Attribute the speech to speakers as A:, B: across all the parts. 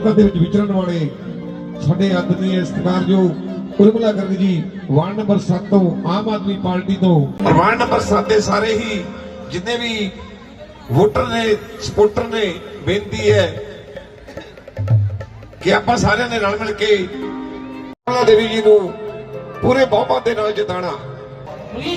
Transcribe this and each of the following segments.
A: ਹਲਕਾ ਦੇ ਵਿੱਚ ਵਿਚਰਨ ਵਾਲੇ ਸਾਡੇ ਆਦਰਨੀय ਸਤਿਕਾਰਯੋਗ ਉਰਮਿਲਾ ਗਰਗ ਜੀ ਵਾਰਡ ਨੰਬਰ 7 ਤੋਂ ਆਮ ਆਦਮੀ ਪਾਰਟੀ ਤੋਂ ਵਾਰਡ ਨੰਬਰ 7 ਦੇ ਸਾਰੇ ਹੀ जितने भी वोटर ने सपोर्टर ने बेनती है कि आप सारे ने रल मिल के देवी जी को पूरे बहुमत के नाल जिताना।
B: गुरु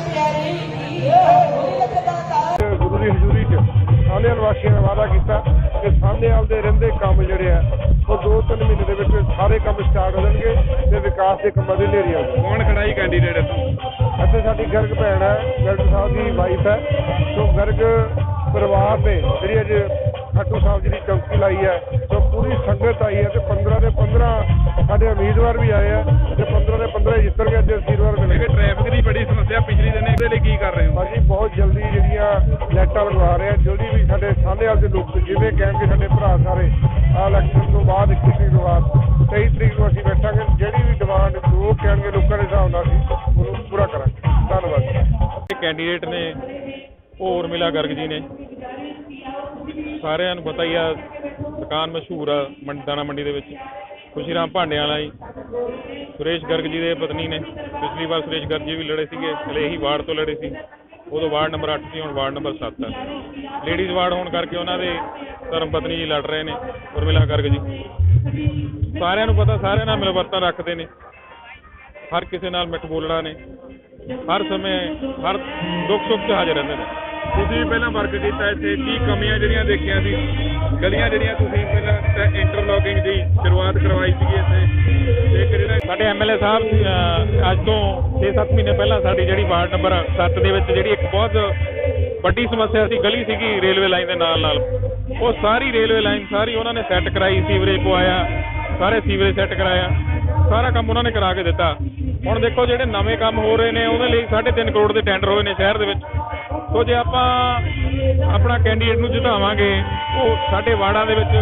B: की हजूरी च सांधेवाल वासियों ने वादा किया कि सांधेवाल के रहिंदे काम जिहड़े आ वो 2-3 महीने के विच सारे काम स्टार्ट हो जाएंगे ते विकास के कामां दी ढेरी आउगी। कौन खड़ा ही कैंडीडेट ਇੱਥੇ ਸਾਡੀ ਗਰਗ ਭੈਣ ਹੈ, ਗਰਗ ਸਾਹਿਬ ਦੀ ਵਾਈਫ ਹੈ। ਸੋ ਗਰਗ ਪਰਿਵਾਰ ਨੇ ਜਿਹੜੀ ਅੱਜ ਖਾਟੂ ਸਾਹਿਬ ਜੀ ਦੀ ਚੌਕੀ ਲਾਈ ਹੈ, ਸੋ ਪੂਰੀ ਸੰਗਤ ਆਈ ਹੈ ਤੇ 15 ਦੇ 15 ਸਾਡੇ ਉਮੀਦਵਾਰ ਵੀ ਆਏ ਆ ਤੇ 15 ਦੇ 15 ਜਿੱਤਣਗੇ। ਅੱਜ ਉਮੀਦਵਾਰ ਮਿਲੇਗੇ। ਟ੍ਰੈਫਿਕ ਦੀ ਬੜੀ ਸਮੱਸਿਆ ਪਿਛਲੇ ਦਿਨ, ਇਹਦੇ ਲਈ ਕੀ ਕਰ ਰਹੇ ਹੋ? ਭਾਜੀ ਬਹੁਤ ਜਲਦੀ ਜਿਹੜੀਆਂ ਲਾਈਟਾਂ ਲਗਵਾ ਰਹੇ ਆ, ਜਲਦੀ ਵੀ ਸਾਡੇ ਸਾਹਨੇਵਾਲ ਦੇ ਲੋਕ ਜਿਵੇਂ ਕਹਿਣਗੇ ਸਾਡੇ ਭਰਾ ਸਾਰੇ ਆ ਇਲੈਕਸ਼ਨ ਤੋਂ ਬਾਅਦ 21 ਤਰੀਕ ਤੋਂ ਬਾਅਦ 23 ਤਰੀਕ ਨੂੰ ਅਸੀਂ ਬੈਠਾਂਗੇ। ਜਿਹੜੀ ਵੀ ਡਿਮਾਂਡ ਜੋ ਕਹਿਣਗੇ ਲੋਕਾਂ ਦੇ ਹਿਸਾਬ ਨਾਲ ਅਸੀਂ ਉਹਨੂੰ ਪੂਰਾ ਕਰਾਂਗੇ। ਧੰਨਵਾਦ।
C: ਕੈਂਡੀਡੇਟ ਨੇ ਉਹ ਉਰਮਿਲਾ ਗਰਗ ਜੀ ਨੇ, ਸਾਰਿਆਂ ਨੂੰ ਪਤਾ ਹੀ ਆ, ਦੁਕਾਨ ਮਸ਼ਹੂਰ ਆ ਦਾਣਾ ਮੰਡੀ ਦੇ ਵਿੱਚ। ਖੁਸ਼ੀ ਰਾਮ ਭਾਂਡਿਆਂ ਵਾਲਾ ਜੀ ਸੁਰੇਸ਼ ਗਰਗ ਜੀ ਦੇ ਪਤਨੀ ਨੇ। ਪਿਛਲੀ ਵਾਰ ਸੁਰੇਸ਼ ਗਰਗ ਜੀ ਵੀ ਲੜੇ ਸੀਗੇ, ਹਲੇ ਇਹੀ ਵਾਰਡ ਤੋਂ ਲੜੇ ਸੀ। ਉਦੋਂ ਵਾਰਡ ਨੰਬਰ 8 ਸੀ, ਹੁਣ ਵਾਰਡ ਨੰਬਰ 7 ਹੈ। ਲੇਡੀਜ਼ ਵਾਰਡ ਹੋਣ ਕਰਕੇ ਉਹਨਾਂ ਦੇ ਧਰਮ ਪਤਨੀ ਜੀ ਲੜ ਰਹੇ ਨੇ, ਉਰਮਿਲਾ ਗਰਗ ਜੀ। ਸਾਰਿਆਂ ਨੂੰ ਪਤਾ, ਸਾਰਿਆਂ ਨਾਲ ਮਿਲਵਰਤਨ ਰੱਖਦੇ ਨੇ, ਹਰ ਕਿਸੇ ਨਾਲ ਮਿੱਠ ਬੋਲਣਾ ਨੇ, ਹਰ ਸਮੇਂ ਹਰ ਦੁੱਖ ਸੁੱਖ 'ਚ ਹਾਜ਼ਰ ਰਹਿੰਦੇ ਨੇ। ਤੁਸੀਂ ਵੀ ਪਹਿਲਾਂ ਵਰਕ ਕੀਤਾ ਇੱਥੇ, ਕੀ ਕਮੀਆਂ ਜਿਹੜੀਆਂ ਦੇਖੀਆਂ ਸੀ? ਗਲੀਆਂ ਜਿਹੜੀਆਂ ਤੁਸੀਂ ਪਹਿਲਾਂ ਇੰਟਰਲੋਕਿੰਗ ਦੀ ਸ਼ੁਰੂਆਤ ਕਰਵਾਈ ਸੀਗੀ ਇੱਥੇ, ਤੇ ਜਿਹੜਾ ਸਾਡੇ ਐਮਐਲਏ ਸਾਹਿਬ ਅੱਜ ਤੋਂ 6-7 ਮਹੀਨੇ ਪਹਿਲਾਂ ਸਾਡੀ ਜਿਹੜੀ ਵਾਰਡ ਨੰਬਰ 7 ਦੇ ਵਿੱਚ ਜਿਹੜੀ ਇੱਕ ਬਹੁਤ ਵੱਡੀ ਸਮੱਸਿਆ ਸੀ, ਗਲੀ ਸੀਗੀ ਰੇਲਵੇ ਲਾਈਨ ਦੇ ਨਾਲ ਨਾਲ, ਉਹ ਸਾਰੀ ਰੇਲਵੇ ਲਾਈਨ ਸਾਰੀ ਉਹਨਾਂ ਨੇ ਸੈੱਟ ਕਰਾਈ, ਸੀਵਰੇਜ ਪਵਾਇਆ, ਸਾਰੇ ਸੀਵਰੇਜ ਸੈੱਟ ਕਰਾਇਆ, ਸਾਰਾ ਕੰਮ ਉਹਨਾਂ ਨੇ ਕਰਾ ਕੇ ਦਿੱਤਾ। ਹੁਣ ਦੇਖੋ ਜਿਹੜੇ ਨਵੇਂ ਕੰਮ ਹੋ ਰਹੇ ਨੇ ਉਹਦੇ ਲਈ 3.5 ਕਰੋੜ ਦੇ ਟੈਂਡਰ ਹੋਏ ਨੇ ਸ਼ਹਿਰ ਦੇ ਵਿੱਚ। ਸੋ ਜੇ ਆਪਾਂ ਆਪਣਾ ਕੈਂਡੀਡੇਟ ਨੂੰ ਜਿਤਾਵਾਂਗੇ, ਉਹ ਸਾਡੇ ਵਾਰਡਾਂ ਦੇ ਵਿੱਚ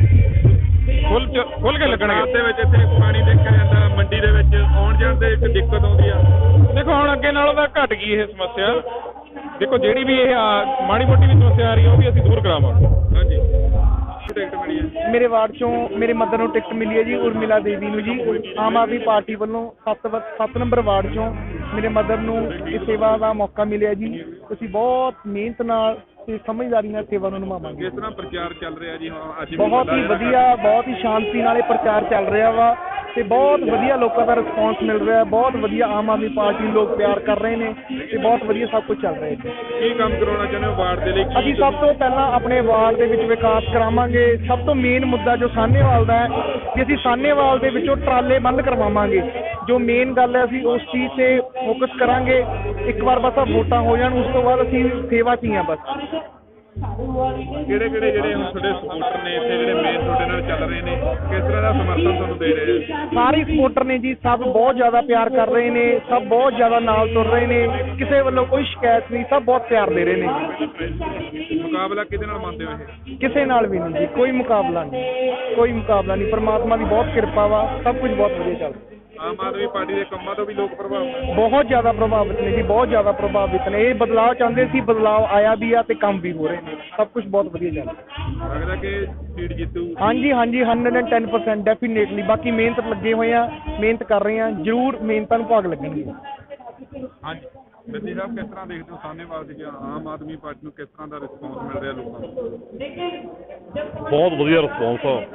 C: ਖੁੱਲ ਕੇ ਲੱਗਣਗੇ। ਦੇ ਵਿੱਚ ਇੱਥੇ ਪਾਣੀ ਦੇਖਿਆ ਜਾਂਦਾ, ਮੰਡੀ ਦੇ ਵਿੱਚ ਆਉਣ ਜਾਣ ਦੇ ਇੱਕ ਦਿੱਕਤ ਆਉਂਦੀ ਆ। ਦੇਖੋ ਹੁਣ ਅੱਗੇ ਨਾਲੋਂ ਤਾਂ ਘਟ ਗਈ ਇਹ ਸਮੱਸਿਆ। ਦੇਖੋ ਜਿਹੜੀ ਵੀ ਇਹ ਮਾੜੀ ਮੋਟੀ ਵੀ ਸਮੱਸਿਆ ਆ ਰਹੀ ਹੈ ਉਹ ਵੀ ਅਸੀਂ ਦੂਰ ਕਰਾਵਾਂਗੇ। ਹਾਂਜੀ, ਟਿਕਟ ਮਿਲੀ ਹੈ
D: ਮੇਰੇ ਵਾਰਡ ਚੋਂ, ਮੇਰੇ ਮਦਰ ਨੂੰ ਟਿਕਟ ਮਿਲੀ ਹੈ ਜੀ, ਉਰਮਿਲਾ ਦੇਵੀ ਨੂੰ ਜੀ। ਆਮ ਆਦਮੀ ਪਾਰਟੀ ਵੱਲੋਂ 7 ਨੰਬਰ ਵਾਰਡ ਚੋਂ ਮੇਰੇ ਮਦਰ ਨੂੰ ਇਹ ਸੇਵਾ ਦਾ ਮੌਕਾ ਮਿਲਿਆ ਜੀ। ਅਸੀਂ ਬਹੁਤ ਮਿਹਨਤ ਨਾਲ ਤੇ ਸਮਝਦਾਰੀ ਨਾਲ ਸੇਵਾ ਨੂੰ ਨਿਭਾਵਾਂਗੇ।
C: ਕਿਸ ਤਰ੍ਹਾਂ ਪ੍ਰਚਾਰ ਚੱਲ ਰਿਹਾ ਜੀ? ਅੱਜ
D: ਬਹੁਤ ਹੀ ਵਧੀਆ, ਬਹੁਤ ਹੀ ਸ਼ਾਂਤੀ ਨਾਲ ਇਹ ਪ੍ਰਚਾਰ ਚੱਲ ਰਿਹਾ ਵਾ ਤੇ ਬਹੁਤ ਵਧੀਆ ਲੋਕਾਂ ਦਾ ਰਿਸਪੌਂਸ ਮਿਲ ਰਿਹਾ। ਬਹੁਤ ਵਧੀਆ ਆਮ ਆਦਮੀ ਪਾਰਟੀ ਨੂੰ ਲੋਕ ਪਿਆਰ ਕਰ ਰਹੇ ਨੇ ਤੇ ਬਹੁਤ ਵਧੀਆ ਸਭ ਕੁਝ ਚੱਲ ਰਿਹਾ ਹੈ।
C: ਕੀ ਕੰਮ ਕਰਾਉਣਾ ਚਾਹੁੰਦੇ ਹੋ ਵਾਰਡ ਦੇ ਲਈ?
D: ਅਸੀਂ ਸਭ ਤੋਂ ਪਹਿਲਾਂ ਆਪਣੇ ਵਾਰਡ ਦੇ ਵਿੱਚ ਵਿਕਾਸ ਕਰਾਵਾਂਗੇ। ਸਭ ਤੋਂ ਮੇਨ ਮੁੱਦਾ ਜੋ ਸਾਹਨੇਵਾਲ ਦਾ ਹੈ ਕਿ ਅਸੀਂ ਸਾਹਨੇਵਾਲ ਦੇ ਵਿੱਚੋਂ ਟਰਾਲੇ ਬੰਦ ਕਰਵਾਵਾਂਗੇ। ਜੋ ਮੇਨ ਗੱਲ ਹੈ ਅਸੀਂ ਉਸ ਚੀਜ਼ 'ਤੇ ਫੋਕਸ ਕਰਾਂਗੇ। ਇੱਕ ਵਾਰ ਬਸ ਵੋਟਾਂ ਹੋ ਜਾਣ, ਉਸ ਤੋਂ ਬਾਅਦ ਅਸੀਂ ਸੇਵਾ 'ਚ ਹੀ ਹਾਂ ਬਸ।
C: ਕਿਹੜੇ ਜਿਹੜੇ ਹੁਣ ਤੁਹਾਡੇ ਸਪੋਰਟਰ ਨੇ ਇੱਥੇ ਜਿਹੜੇ ਮੇਨ ਤੁਹਾਡੇ ਨਾਲ ਚੱਲ ਰਹੇ ਨੇ, ਕਿਸ ਤਰ੍ਹਾਂ ਦਾ ਸਮਰਥਨ ਤੁਹਾਨੂੰ ਦੇ ਰਹੇ ਆ?
D: ਸਾਰੇ ਸਪੋਰਟਰ ਨੇ ਜੀ, ਸਭ ਬਹੁਤ ਜ਼ਿਆਦਾ ਪਿਆਰ ਕਰ ਰਹੇ ਨੇ, ਸਭ ਬਹੁਤ ਜ਼ਿਆਦਾ ਨਾਲ ਤੁਰ ਰਹੇ ਨੇ, ਕਿਸੇ ਵੱਲੋਂ ਕੋਈ ਸ਼ਿਕਾਇਤ ਨਹੀਂ, ਸਭ ਬਹੁਤ ਪਿਆਰ ਦੇ ਰਹੇ ਨੇ।
C: ਮੁਕਾਬਲਾ ਕਿਹਦੇ ਨਾਲ ਮੰਨਦੇ ਹੋ ਇਹ?
D: ਕਿਸੇ ਨਾਲ ਵੀ ਨਹੀਂ ਜੀ, ਕੋਈ ਮੁਕਾਬਲਾ ਨਹੀਂ, ਕੋਈ ਮੁਕਾਬਲਾ ਨਹੀਂ। ਪਰਮਾਤਮਾ ਦੀ ਬਹੁਤ ਕਿਰਪਾ ਵਾ, ਸਭ ਕੁਝ ਬਹੁਤ ਵਧੀਆ ਚੱਲ ਰਿਹਾ।
C: ਆਮ ਆਦਮੀ ਪਾਰਟੀ ਦੇ ਕੰਮਾਂ ਤੋਂ ਵੀ ਲੋਕ ਪ੍ਰਭਾਵਿਤ?
D: ਬਹੁਤ ਜ਼ਿਆਦਾ ਪ੍ਰਭਾਵਿਤ ਨੇ ਜੀ, ਬਹੁਤ ਜ਼ਿਆਦਾ ਪ੍ਰਭਾਵਿਤ ਨੇ। ਇਹ ਬਦਲਾਅ ਚਾਹੁੰਦੇ ਸੀ, ਬਦਲਾਅ ਆਇਆ ਵੀ ਆ ਤੇ ਕੰਮ ਵੀ ਹੋ ਰਹੇ ਨੇ। ਸਭ ਕੁਝ ਬਹੁਤ ਵਧੀਆ ਚੱਲ ਰਿਹਾ।
C: ਲੱਗਦਾ ਕਿ ਸੀਟ ਜਿੱਤੂ?
D: ਹਾਂਜੀ ਹਾਂਜੀ, 110% ਡੈਫੀਨੇਟਲੀ। ਬਾਕੀ ਮਿਹਨਤ ਲੱਗੇ ਹੋਏ ਆ, ਮਿਹਨਤ ਕਰ ਰਹੇ ਆ, ਜ਼ਰੂਰ ਮਿਹਨਤਾਂ ਨੂੰ ਭਾਗ ਲੱਗਣਗੇ।
C: ਹਾਂਜੀ, ਬੱਦੀ ਸਾਹਿਬ ਕਿਸ ਤਰ੍ਹਾਂ ਦੇਖਦੇ ਹੋ ਸਾਹਨੇਵਾਲ ਦੀ ਆਮ ਆਦਮੀ ਪਾਰਟੀ ਨੂੰ ਕਿਸ ਤਰ੍ਹਾਂ ਦਾ ਰਿਸਪੌਂਸ ਮਿਲ ਰਿਹਾ ਲੋਕਾਂ ਨੂੰ?
E: ਬਹੁਤ ਵਧੀਆ ਰਿਸਪੌਂਸ ਆ।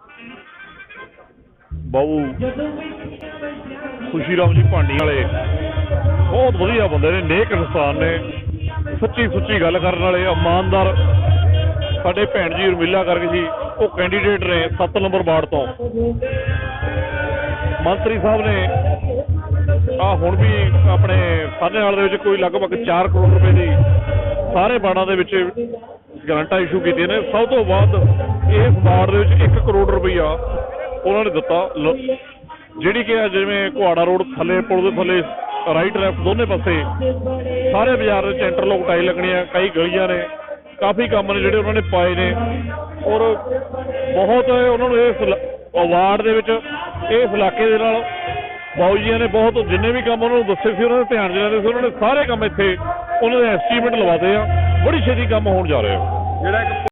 E: ਬਾਬੂ ਖੁਸ਼ੀ ਰਾਮ ਜੀ ਭਾਂਡੀ ਵਾਲੇ ਬਹੁਤ ਵਧੀਆ ਬੰਦੇ ਨੇ, ਨੇਕ ਇਨਸਾਨ ਨੇ, ਸੱਚੀ ਸੁੱਚੀ ਗੱਲ ਕਰਨ ਵਾਲੇ, ਇਮਾਨਦਾਰ। ਸਾਡੇ ਭੈਣ ਜੀ ਉਰਮਿਲਾ ਗਰਗ ਜੀ ਉਹ ਕੈਂਡੀਡੇਟ ਨੇ 7 ਨੰਬਰ ਵਾਰਡ ਤੋਂ। ਮੰਤਰੀ ਸਾਹਿਬ ਨੇ ਹੁਣ ਵੀ ਆਪਣੇ ਸਾਹਨੇਵਾਲ ਦੇ ਵਿੱਚ ਕੋਈ ਲਗਭਗ 4 ਕਰੋੜ ਰੁਪਏ ਦੀ ਸਾਰੇ ਵਾਰਡਾਂ ਦੇ ਵਿੱਚ ਗਰੰਟਾਂ ਇਸ਼ੂ ਕੀਤੀਆਂ ਨੇ। ਸਭ ਤੋਂ ਵੱਧ ਇਸ ਵਾਰਡ ਦੇ ਵਿੱਚ 1 ਕਰੋੜ ਰੁਪਈਆ ਉਹਨਾਂ ਨੇ ਦਿੱਤਾ, ਜਿਹੜੀ ਕਿ ਜਿਵੇਂ ਕੁਹਾੜਾ ਰੋਡ ਥੱਲੇ, ਪੁਲ ਦੇ ਥੱਲੇ ਰਾਈਟ ਲੈਫਟ ਦੋਨੇ ਪਾਸੇ ਸਾਰੇ ਬਾਜ਼ਾਰ ਵਿੱਚ ਇੰਟਰਲੋਕ ਟਾਈਲ ਲੱਗਣੀਆਂ, ਕਈ ਗਲੀਆਂ ਨੇ, ਕਾਫੀ ਕੰਮ ਨੇ ਜਿਹੜੇ ਉਹਨਾਂ ਨੇ ਪਾਏ ਨੇ। ਔਰ ਬਹੁਤ ਉਹਨਾਂ ਨੂੰ ਇਸ ਵਾਰਡ ਦੇ ਵਿੱਚ, ਇਸ ਇਲਾਕੇ ਦੇ ਨਾਲ ਬਾਊ ਜੀਆਂ ਨੇ ਬਹੁਤ ਜਿੰਨੇ ਵੀ ਕੰਮ ਉਹਨਾਂ ਨੂੰ ਦੱਸੇ ਸੀ, ਉਹਨਾਂ ਦੇ ਧਿਆਨ 'ਚ ਲੈਂਦੇ ਸੀ। ਉਹਨਾਂ ਨੇ ਸਾਰੇ ਕੰਮ ਇੱਥੇ ਉਹਨਾਂ ਦੇ ਐਸਟੀਮੇਟ ਲਵਾਦੇ ਆ, ਬੜੀ ਛੇਤੀ ਕੰਮ ਹੋਣ ਜਾ ਰਿਹਾ।
C: ਜਿਹੜਾ